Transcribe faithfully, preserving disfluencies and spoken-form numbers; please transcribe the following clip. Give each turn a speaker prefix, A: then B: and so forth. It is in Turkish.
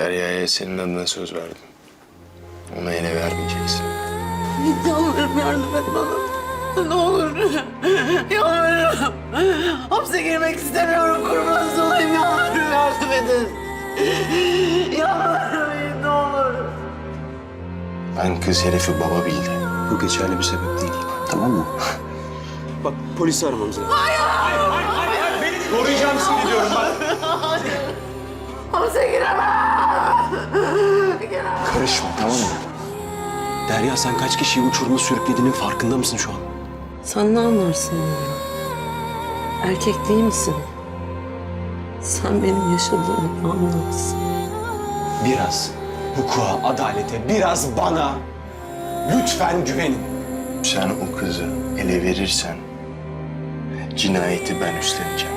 A: Derya'ya senin adına söz verdim. Ona ele vermeyeceksin.
B: Yalvarırım yardım et bana. Ne olur. Yalvarırım. Hapse girmek istemiyorum. Kurbanınız olayım. Yalvarırım yardım edin. Yalvarırım ne olur.
A: Ben kız herifi baba bildi.
C: Bu geçerli bir sebep değil. Tamam mı? Bak polisi aramamız lazım.
D: Koruyacağım seni diyorum ben.
B: Hapse giremem. Giremem.
C: Karışma, tamam mı? Derya, sen kaç kişiyi uçuruma sürüklediğinin farkında mısın şu an?
B: Sen ne anlarsın ya? Erkek değil misin? Sen benim yaşadığımı anlarsın.
C: Biraz hukuka, adalete, biraz bana lütfen güvenin.
A: Sen o kızı ele verirsen cinayeti ben üstleneceğim.